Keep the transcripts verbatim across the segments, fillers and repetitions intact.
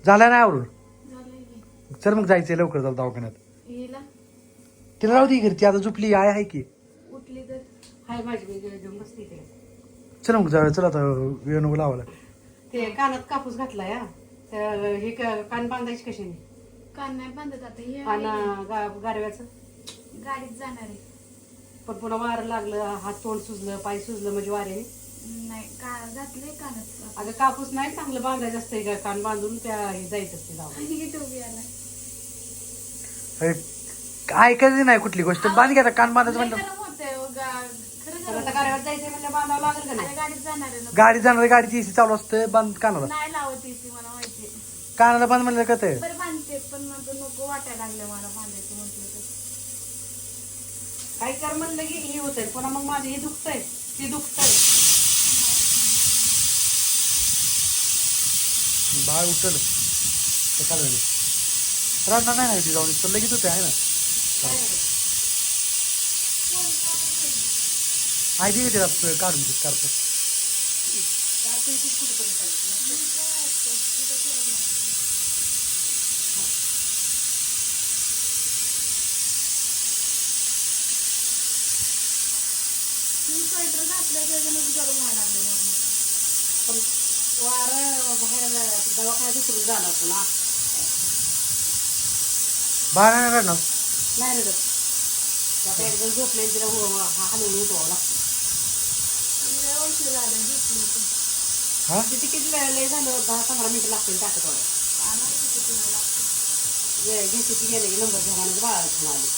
झाला नाही आवरून. चल मग जायचंय लवकर जाऊ दवाखान्यात. तिला राहू दे घरची आता झोपली आय आहे की. उठली तर हाय माझी घेऊन बसते ते. चल मग जाऊया. चल आता वेळ नको लावायला. ते कानात कापूस घातलाय हा. तर हे कान बांधायचे कशाने? कान नाही बांधत आता हे आणि गारव्याचं गाडीत जाणार आहे. पण पुन्हा वारं लागलं, हात तोंड सुजलं, पाय सुजलं म्हणजे वाऱ्याने नाही का घातलंय कानात. अगं कापूस नाही चांगलं बांधायचं असतंय का, कान बांधून त्या हे जायचं असते जाऊ. ऐकायचं नाही कुठली गोष्ट. बांध घ्या कान बांधायचं म्हणलं. तर आता गारव्यात जायचंय म्हणजे बांधावं लागेल का नाही? गाडीत जाणार आहे ना. गाडी जाणार गाडीची एसी चालू असते. बांध कानाला. नाही लावत एसी मला माहिती. कानाला बांध म्हणलं का ते बरं बांधते पण मग नको वाटायला लागलं मला बांधायचं म्हटलं तर. काही कर म्हणलं की हे होतंय पुन्हा मग माझं हे दुखतंय ते दुखतंय. बाळ उठल सकाळ झाली. राहणार नाही ना जाऊन तर लगेच होते आहे ना. आई दे तिला काढून स्कार्फ. स्वेटर घातलं त्याच्यानं गरम व्हायला लागलं. पण वारं बाहेर दवाखान्यात उतरून जाणार पुन्हा बाळ नाही राहणार. नाही रडत. आता एकदम झोपले तिला हलवून उठवावं लागतं. औषध झालं झोपली होती. हा किती किती वेळ लय झालं दहा पंधरा मिनिटं लागतील टाकत थोडं. वेळ घेते ती गेले की नंबर घ्या म्हणजे बाळाला घेऊन आले.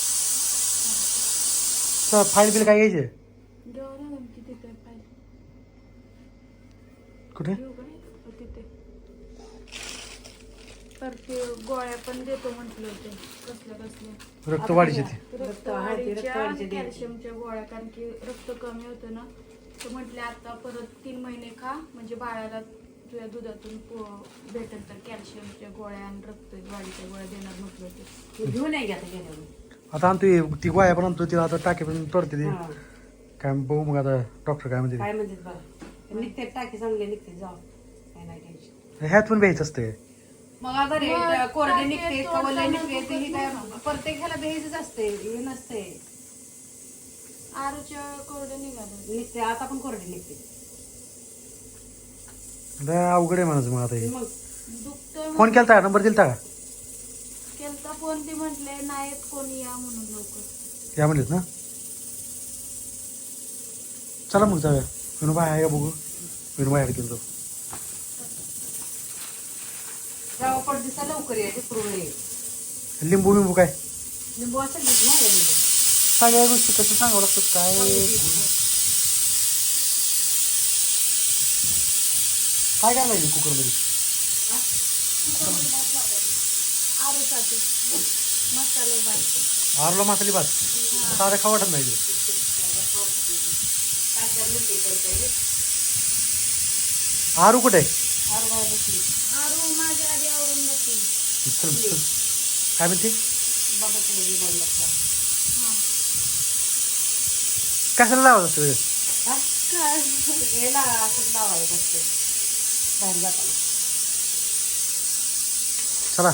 फाईल बिल काय घ्यायचे किती पाहिजे कुठे? तिथे तर ते गोळ्या पण देतो म्हटलं होते कसल्या कसल्या रक्तवाढीचे ते. रक्तवाढीच्या कॅल्शियमच्या गोळ्या. कारण की रक्त कमी होतं ना तर म्हटले आता परत तीन महिने खा म्हणजे बाळाला तुझ्या दुधातून भेटेल तर कॅल्शियमच्या गोळ्या आणि रक्तवाढीच्या गोळ्या देणार म्हटलं होते. घेऊन नाही घ्या गेल्या आता आणतो ती गोळ्या पण आणतो तिला आता टाके पण तोडते ती. काय बघू मग आता डॉक्टर काय म्हणते. काय म्हणतात बरं निघते टाकी चांगले निघते जाऊ काय नाही टेन्शन. ह्यात पण भ्यायचं असतं. मग आता रे कोरडे निघते कवले निघते ते हे काय प्रत्येक ह्याला भ्यायचंच असते हे नसते. आरूच्या कोरडे निघाले निघते आता पण कोरडे निघते. अवघड आहे म्हणायचं मग आता हे. मग दुखतोय फोन केलता नंबर दिलता का? केलता फोन. ते म्हटले नाहीत कोणी या म्हणून लवकर या म्हणलेत ना. चला मग जाऊया. विनोबाई आहे का बघू. विनोबाई गेलो जाऊ. जाऊ पण दिसा लवकर या पूर्ण. लिंबू बिंबू काय लिंबू असेल नाही लिंबू. सगळ्या गोष्टी कसं सांगावं लागतं काय. काय काय लागेल कुकरमध्ये? आरूसाठी मसाले भात. आरूला मसाली भात साधं खावं वाटत नाही. आरू कुठे आहे? आरू माझ्या आधी आवरून बसली. चल चल काय म्हणते कशाला लावत असतं? चला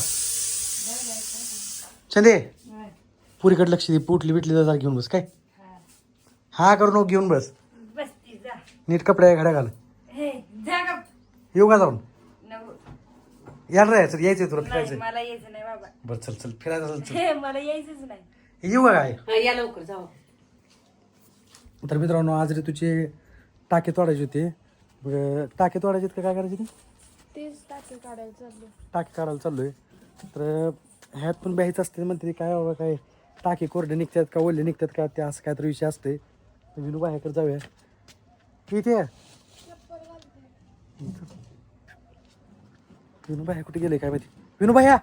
चंदे पुरीकडे लक्ष दे. पुटली बिटली जरा घेऊन बस. काय हा करू नको घेऊन बस. नीट कपडे घड्या घाल. येऊ का जाऊन? यायला राहायचं यायचंय तुला फिरायचं. मला यायचं नाही बाबा. बरं चल चल फिरायचं असेल चल. मला यायचंच नाही. येऊ का काय? या लवकर जाऊ. तर मित्रांनो आज रे तुझे टाके तोडायचे होते. बरं टाके तोडायचे का काय करायचे ते? तेच टाके काढायला चाललो. टाके काढायला चाललोय. तर ह्यात पण ब्यायचं असते म्हणते ते काय बाबा काय टाके कोरडे निघतात का ओले निघतात का ते असं काय तर विषय असते. विनू बाहेरकडे जाऊया. इथे विनू बाहेर कुठे गेले काय माहिती. विनू बाया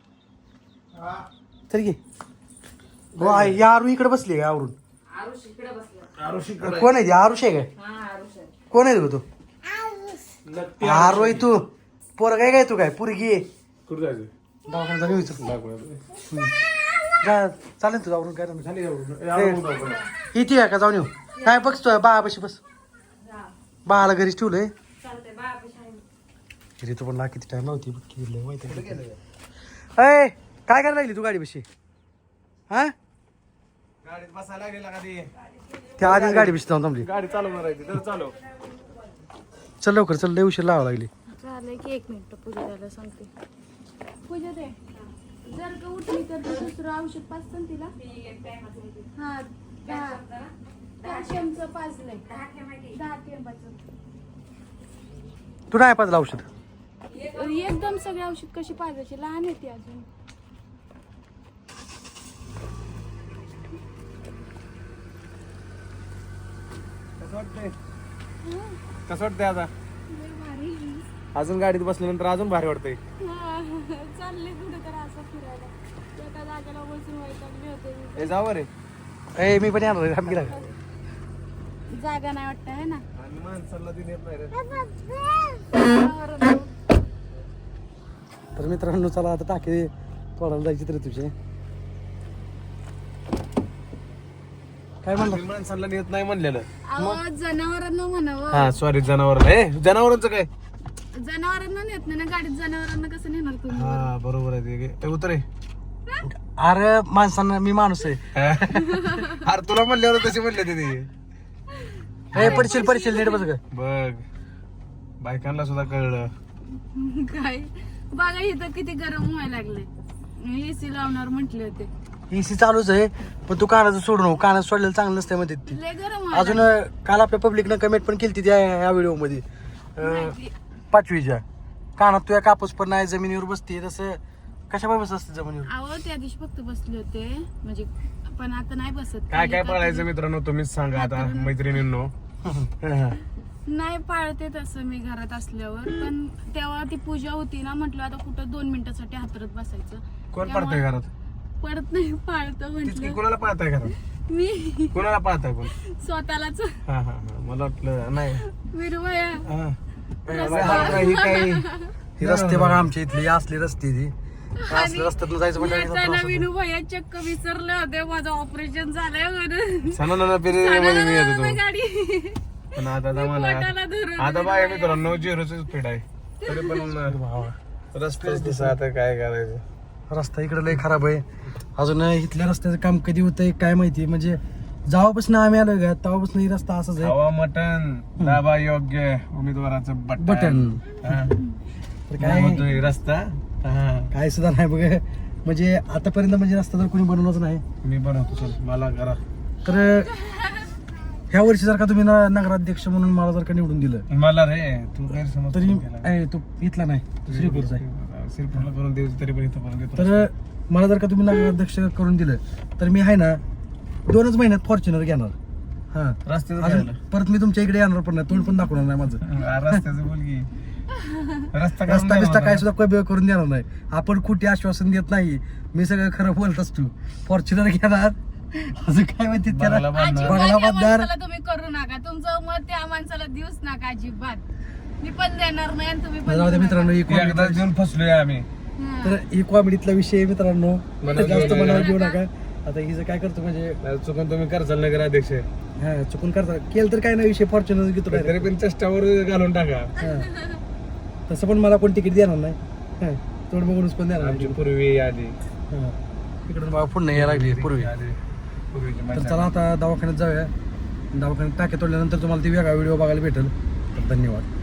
चल घे. हो आहे या आरू इकडे बसली काय आवरून. कोण आहे ती? आरुष आहे काय? कोण आहे तू? आरू आहे तू? पोर काय काय तू काय पुरगी दवाखान्यात जाऊन विचार चालेल तुझं आवरून काय इथे आहे का जाऊन येऊ. काय बघतोय बाळापाशी बस. बाळाला घरीच ठेवलंय. ऋतू पण किती टाइम लावती माहिती अय काय करायला लागली तू गाडी बशी हा गाडीत बसायला लागेल का ती त्या आधी गाडी बशी जाऊन थांबली गाडी चालवणार आहे ती तर चालव चल लवकर चल लय उशीर लावा लागली झालंय की एक मिनिट पूजा द्यायला सांगते पूजा दे जर का उठली तर ते दुसरं औषध पाचतं ना तिला हा कॅल्शियमचं पाजलंय दहा थेंबाचं तू नाही पाजलं औषध एकदम सगळे औषध कशी पाजायची लहान आहे ती अजून कसं वाटतंय कसं वाटतंय आता अजून गाडीत बसल्यानंतर अजून भारी वाटतंय चालले कुठे तर असं फिरायला एका जागेला बसून वैतागले होते हे जावं रे ए मी पण येणार थांब गेला जागा नाही वाटत आहे ना आणि माणसाला ती नेत नाही रे तर मित्रांनो चला आता टाके तोडायला जायची तरी तुझे काय म्हणलं मी माणसाला नेत नाही म्हणलेलं अहो जनावरांना म्हणावं हा सॉरी जनावर ए जनावरांचं काय जनावरांना नेत नाही ना गाडीत जनावरांना कसं नेणार तुम्ही हा बरोबर आहे ते ते उतर अरे माणसांना मी माणूस आहे अरे तुला म्हणल्यावर तसे म्हणले ते ते ए पडशील पडशील नीट बस ग बघ बायकांना सुद्धा कळलं काय बघा इथं किती गरम व्हायला लागले एसी लावणार म्हटले होते एसी चालूच आहे पण तू कानाचं सोडू नको कानाचं सोडलेलं चांगलं नसतं मध्ये ती लय गरम अजून काल आपल्या पब्लिकनं कमेंट पण केली त्या या व्हिडिओ मध्ये अं, पाचवीच्या कानात तुझ्या कापूस पण नाही जमिनीवर बसते तसं कशा बसत असते जमिनीवर अहो त्या दिवशी फक्त बसले होते म्हणजे पण आता नाही बसत काय काय पाळायचं मित्रांनो तुम्हीच सांगा आता मैत्रिणींनो नाही पाळते तसं मी घरात असल्यावर पण तेव्हा ती पूजा होती ना म्हटलं आता कुठं दोन मिनिटासाठी हातरत बसायचं कोण पाळताय घरात पडत नाही पाळतो तीच की म्हटलं कोणाला पाळताय घरात मी कोणाला पाळताय कोण स्वतःलाच हा हा हा मला वाटलं नाही विरुवया हा. ही काही ही रस्ते बघा आमच्या इथली असली रस्ते ती असल्या रस्त्यातून जायचं येताना म्हणजे विनुभया चक्क विसरले होते माझं ऑपरेशन झालंय म्हणून सणाला पेरे मध्ये मी येतो तो गाडी पण आता आता मला पोटाला धरून आता बाय मित्रांनो झिरोच स्पीड आहे तरी पण रस्तेच दिसा आता काय करायचं रस्ता इकडे लय खराब आहे अजून इथल्या रस्त्याचं काम कधी होतंय काय माहिती म्हणजे जेव्हापासून आम्ही आलो का तेव्हापासून ही रस्ता असाच आहे हवा मटन दाबा योग्य उमेदवाराचं बटन बटन हा. तर काय काय म्हणतोय रस्ता हा. काय सुद्धा नाही बघ म्हणजे आतापर्यंत म्हणजे रस्ता तर कोणी बनवलाच नाही मी बनवतो चल मला करा तर ह्या वर्षी जर का तुम्ही न- नगराध्यक्ष म्हणून मला जर का निवडून दिलं मला रे तू गैरसमज तरी करून गेला. ए, तो इथला नाही तो श्रीपूरचा आहे श्रीपूरला करून देऊ तरी पण इथं करून देतो तर मला जर का तुम्ही नगराध्यक्ष करून दिलं तर मी आहे ना दोनच महिन्यात फॉर्च्युनर घेणार हा रस्त्याचं अजून काय परत मी तुमच्या इकडे येणार पण नाही तोंड पण दाखवणार नाही माझं झालं? रस्त्याचं बोल की रस्ता करून रस्ता दे बिस्ता मला. काय सुद्धा कमी करून देणार नाही आपण कुठे आश्वासन देत नाही मी सगळं खरं बोलत असतो फॉर्च्युनर घेणार अजून काय माहिती त्याला बंगला बांधणार. बंगला अजिबात या बांधणार माणसाला तुम्ही करू नका तुमचं मत त्या माणसाला देऊच नका अजिबात मी पण देणार नाही आणि तुम्ही पण जाऊ द्या देऊ मित्रांनो ही एकदा comedy- देऊन फसलोय आम्ही नका. तर ही कॉमेडीतला विषय आहे मित्रांनो मनावर जास्त घेऊ मनावर नका. घेऊ नका आता हिचं काय करतो म्हणजे चुकून तुम्ही करचाल नगर अध्यक्ष हा चुकून करता केलं तर काय नाही विषय फॉर्च्युनर घेतो तरी direct. पण चष्टावर घालून टाका हा. तसं पण मला कोण तिकीट देणार नाही हा. तोड बघूनच कोण देणार आमची नाही. पूर्वी आली हा. इकडून मला पुन्हा यायला लागली पूर्वी आली पूर्वीची तर मजा. चला आता दवाखान्यात जाऊया दवाखान्यात टाके तोडल्यानंतर तुम्हाला ती वेगळा व्हिडिओ बघायला भेटेल तर धन्यवाद